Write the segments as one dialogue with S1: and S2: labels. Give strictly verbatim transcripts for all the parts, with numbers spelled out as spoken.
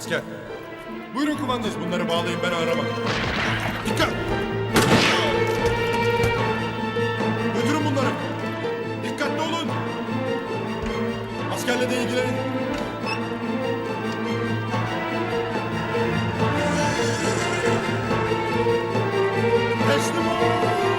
S1: asker. Buyurun kumandanız, bunları bağlayın, ben arama. Dikkat! Götürün bunları. Dikkatli olun. Askerle de ilgilenin. Teslim ol!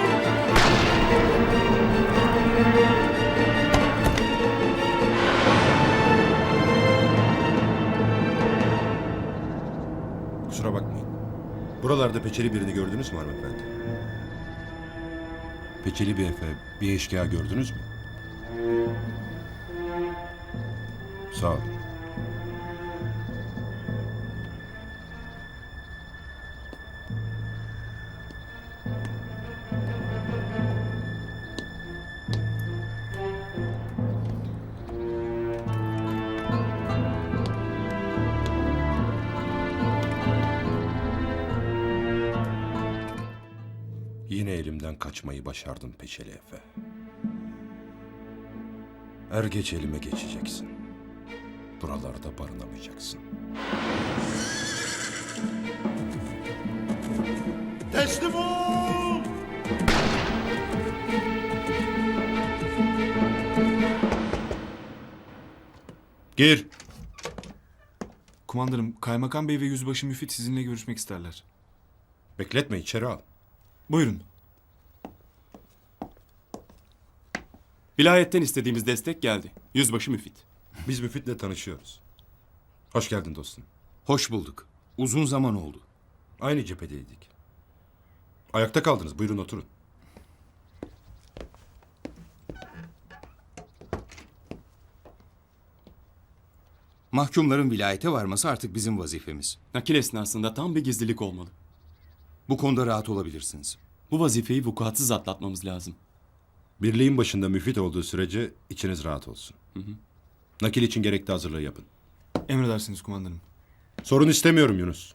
S1: Kusura bakmayın. Buralarda peçeli birini gördünüz mü hanımefendi? Peçeli bir efe, bir eşkıya gördünüz mü? Sağ olun. Yine elimden kaçmayı başardın Peçeli Efe. Er geç elime geçeceksin. Buralarda barınamayacaksın. Teslim ol! Gir.
S2: Kumandanım, Kaymakam Bey ve Yüzbaşı Müfit sizinle görüşmek isterler.
S1: Bekletme, içeri al.
S2: Buyurun.
S3: Vilayetten istediğimiz destek geldi. Yüzbaşı Müfit.
S1: Biz Müfit'le tanışıyoruz. Hoş geldin dostum.
S4: Hoş bulduk. Uzun zaman oldu.
S1: Aynı cephedeydik. Ayakta kaldınız, buyurun oturun.
S4: Mahkumların vilayete varması artık bizim vazifemiz.
S3: Nakil esnasında tam bir gizlilik olmalı.
S4: Bu konuda rahat olabilirsiniz.
S3: Bu vazifeyi vukuatsız atlatmamız lazım.
S1: Birliğin başında Müfit olduğu sürece içiniz rahat olsun. Hı hı. Nakil için gerekli hazırlığı yapın.
S2: Emredersiniz kumandanım.
S1: Sorun istemiyorum Yunus.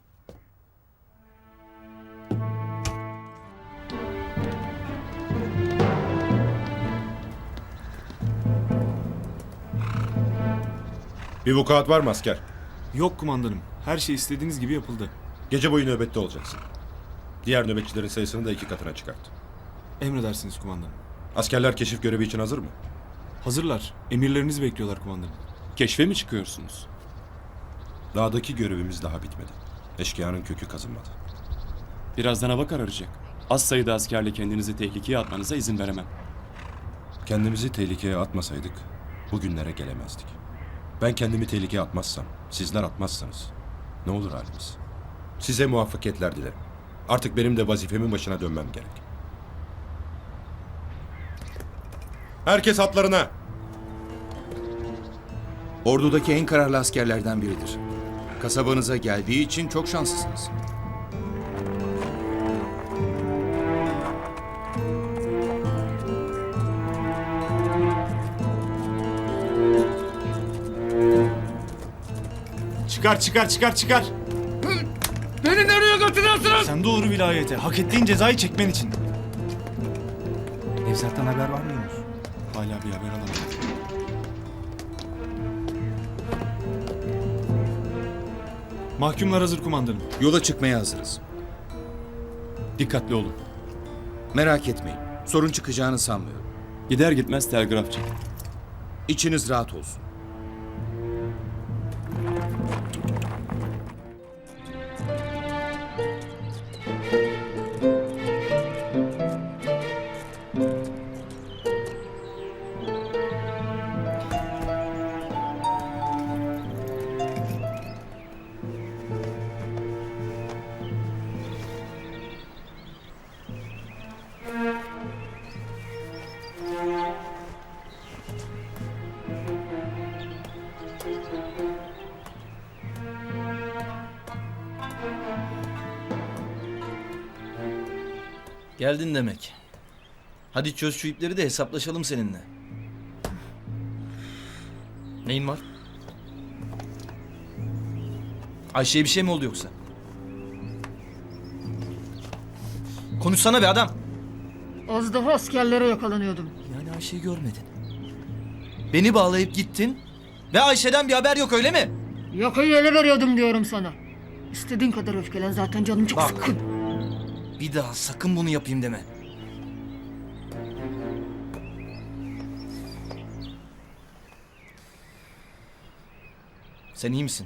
S1: Bir vukuat var mı asker?
S2: Yok kumandanım. Her şey istediğiniz gibi yapıldı.
S1: Gece boyu nöbette olacaksın. Diğer nöbetçilerin sayısını da iki katına çıkart.
S2: Emredersiniz kumandanım.
S1: Askerler keşif görevi için hazır mı?
S2: Hazırlar. Emirlerinizi bekliyorlar kumandanım.
S3: Keşfe mi çıkıyorsunuz?
S1: Dağdaki görevimiz daha bitmedi. Eşkıyanın kökü kazınmadı.
S3: Birazdan hava kararacak. Az sayıda askerle kendinizi tehlikeye atmanıza izin veremem.
S1: Kendimizi tehlikeye atmasaydık bugünlere gelemezdik. Ben kendimi tehlikeye atmazsam, sizler atmazsanız ne olur halimiz? Size muvaffakiyetler dilerim. Artık benim de vazifemin başına dönmem gerek. Herkes hatlarına.
S4: Ordudaki en kararlı askerlerden biridir. Kasabanıza geldiği için çok şanslısınız.
S2: Çıkar çıkar çıkar çıkar.
S5: Beni nereye götürüyorsunuz?
S2: Sen doğru vilayete. Hak ettiğin cezayı çekmen için. Nevzat'tan haber var mı Yunus? Hala bir haber alamadım. Mahkumlar hazır kumandanım.
S4: Yola çıkmaya hazırız.
S3: Dikkatli olun.
S4: Merak etmeyin. Sorun çıkacağını sanmıyorum.
S3: Gider gitmez telgraf çekin.
S4: İçiniz rahat olsun.
S5: Geldin demek. Hadi çöz şu ipleri de hesaplaşalım seninle. Neyin var? Ayşe'ye bir şey mi oldu yoksa? Konuşsana be adam.
S6: Az daha askerlere yakalanıyordum.
S5: Yani Ayşe'yi görmedin. Beni bağlayıp gittin ve Ayşe'den bir haber yok öyle mi?
S6: Yakayı ele veriyordum diyorum sana. İstediğin kadar öfkelen, zaten canım çok
S5: Bak.
S6: sıkkın.
S5: Bir daha sakın bunu yapayım deme. Sen iyi misin?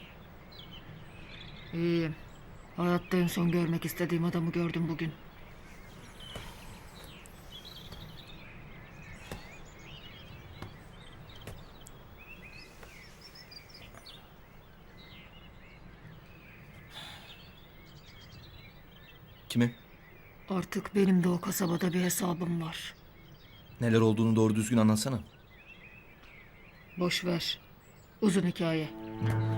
S6: İyiyim. Hayatta en son görmek istediğim adamı gördüm bugün.
S5: Kimi?
S6: Artık benim de o kasabada bir hesabım var.
S5: Neler olduğunu doğru düzgün anlatsana.
S6: Boş ver. Uzun hikaye.